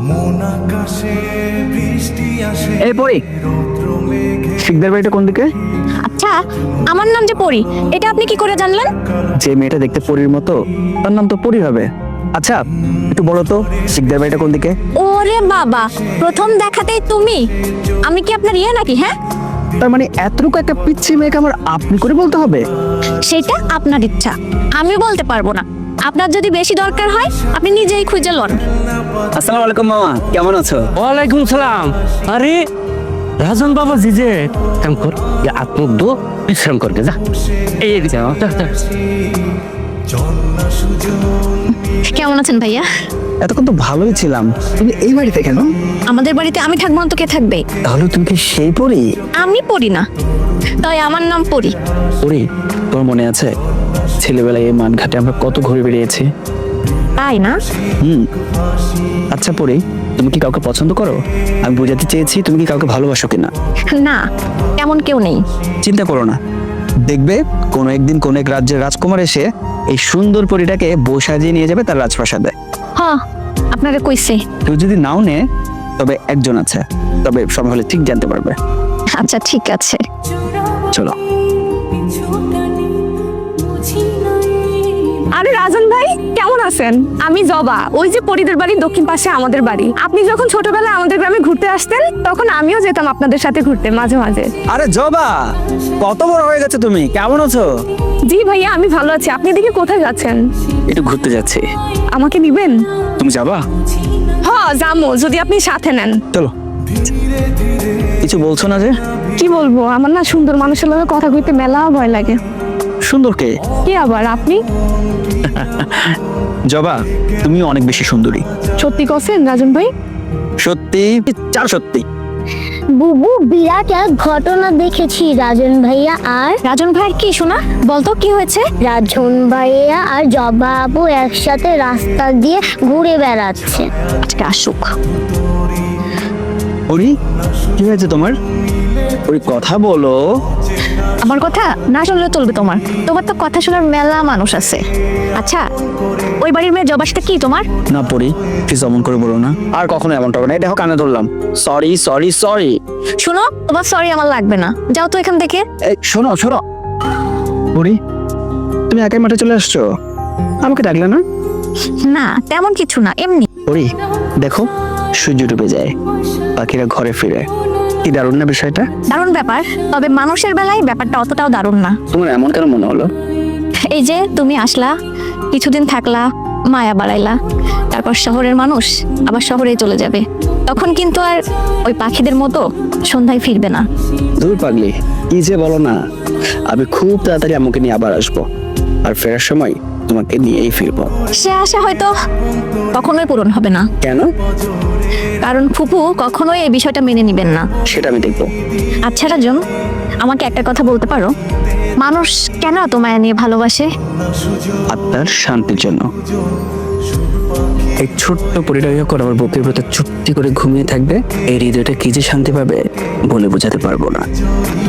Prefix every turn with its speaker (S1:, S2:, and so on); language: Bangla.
S1: এই পরি, শিকদার বাড়িটা কোন দিকে?
S2: আচ্ছা, আমার নাম যে পরি, এটা আপনি কি করে জানলেন?
S1: যে মেয়েটা দেখতে পরীর মতো তার নাম তো পরি হবে। আচ্ছা একটু বলো তো শিকদার বাড়িটা কোন দিকে?
S2: ওরে বাবা, প্রথম দেখাতেই তুমি! আমি কি আপনার ইয়ে নাকি? হ্যাঁ,
S1: তার মানে এতটুকু একটা পিচ্ছি মেয়েকে আমার আপনি করে বলতে হবে?
S2: সেটা আপনার ইচ্ছা, আমি বলতে পারবো না। আপনার যদি বেশি দরকার হয় আপনি নিজেই খুঁজে লন।
S1: আসসালামু আলাইকুম মামা, কেমন আছো?
S3: ওয়ালাইকুম সালাম। আরে রাজন বাবা জি যে কাম কর, আপনি দো বিশ্রাম করকে যা। এই যা যা।
S2: কেমন আছেন ভাইয়া?
S1: এতক্ষণ তো ভালোই ছিলাম, তুমি এই বাড়িতে কেন?
S2: আমাদের বাড়িতে আমি থাকবো না তো কে থাকবে?
S1: তাহলে তুমি কি সেই পরি?
S2: আমি পড়ি না, তাই আমার নাম পরি।
S1: পরি, তোমার মনে আছে ছেলেবেলায় এই মানঘাটে আমরা কত ঘুরে বেরিয়েছি?
S2: তাই না?
S1: আচ্ছা পরি, তুমি কি কাউকে পছন্দ করো? আমি বোঝাতে চেয়েছি তুমি কি কাউকে ভালোবাসো কিনা।
S2: না, তেমন কেউ নেই।
S1: চিন্তা করো না, দেখবে কোনো একদিন কোন এক রাজ্যের রাজকুমার এসে এই সুন্দর পরিটাকে বউ সাজিয়ে নিয়ে যাবে তার রাজপ্রাসাদে।
S2: হ্যাঁ, আপনাকে কইছে।
S1: কেউ যদি নাও নে তবে একজন আছে, তবে সময় হলে ঠিক জানতে পারবে।
S2: আচ্ছা ঠিক আছে,
S1: চলো।
S4: আরে রাজন ভাই, কেমন আছেন? আমি জবা, ওই যে পরিদের বাড়ির দক্ষিণ পাশে আমাদের বাড়ি। আপনি যখন ছোটবেলায় আমাদের গ্রামে ঘুরতে আসতেন তখন আমিও যেতাম আপনাদের সাথে ঘুরতে মাঝে মাঝে।
S1: আরে জবা, কত বড় হয়ে গেছে তুমি, কেমন আছো?
S4: জি ভাইয়া, আমি ভালো আছি। আপনি এদিকে কোথায় যাচ্ছেন?
S1: একটু ঘুরতে যাচ্ছি।
S4: আমাকে নিবেন?
S1: তুমি যাবা?
S4: হ্যাঁ যাবো, যদি আপনি সাথে নেন।
S1: চলো। কিছু বলছো না যে?
S4: কি বলবো, আমার না সুন্দর মানুষের লগে কথা কইতে মেলা ভয় লাগে।
S1: সুন্দর কে?
S4: কি আবার আপনি?
S1: জবা, তুমি অনেক বেশি সুন্দরী।
S4: সত্যি কছেন রাজন ভাই?
S1: সত্যি, চার সত্যি।
S5: বুবু, বিরাট এক ঘটনা দেখেছি রাজন ভাইয়া আর
S2: রাজন ভাইয়ের কি শোনা? বলতো কি হয়েছে?
S5: রাজন ভাইয়া আর জবা আপু একসাথে রাস্তা দিয়ে ঘুরে বেড়াচ্ছে।
S2: আজকে আসুক।
S1: পরি, কি হয়েছে তোমার? ওই কথা বলো।
S2: আমার কথা না শুনলে চলবে তোমার? তোমার তো কথা শোনার মেলা মানুষ আছে। আচ্ছা, ওই বাড়ির মেয়ে জবার সাথে কি তোমার?
S1: না পরি, প্লিজ অমন করে বলো না। আর কখনো এমনটা হবে না, এই দেখো কানে ধরলাম। Sorry sorry sorry.
S2: শোনো, তোমার সরি আমার লাগবে না, যাও তো এখান থেকে।
S1: এই শোনো শোনো পরি, তুমি একাই মাঠে চলে আসছো, আমাকে ডাকলে না?
S2: না তেমন কিছু না, এমনি।
S1: পরি দেখো, সূর্য ডুবে যায়, পাখিরা ঘরে ফিরে, কি দারুণ না বিষয়টা?
S2: দারুণ ব্যাপার, তবে মানুষের বেলায় ব্যাপারটা অতটাও দারুণ না।
S1: তোমার এমন কেন মনে হলো?
S2: এই যে তুমি আসলা, কিছুদিন থাকলা, মায়া বাড়াইলা, তারপর শহরের মানুষ আবার শহরেই চলে যাবে, তখন কিন্তু আর ওই পাখিদের মতো সন্ধ্যায় ফিরবে না।
S1: দূর পাগলি, কি যে বলো না। আমি খুব তাড়াতাড়ি আমাকে নিয়ে আবার আসবো, আর ফেরার সময় তোমাকে নিয়েই ফিরবো।
S2: সে আশা হয়তো কখনোই পূরণ হবে না,
S1: কেন?
S2: কারণ ফুপু কখনোই এই বিষয়টা মেনে নিবেন না।
S1: সেটা আমি দেখবো।
S2: আচ্ছা রাজন, আমাকে একটা কথা বলতে পারো, মানুষ কেন এত মায়া নিয়ে ভালোবাসে?
S1: আত্মার শান্তির জন্য। এই ছোট্ট পরিটা যখন আমার বুকের ভেতর চুপটি করে ঘুমিয়ে থাকবে, এই হৃদয়টা কি যে শান্তি পাবে বলে বোঝাতে পারবো না।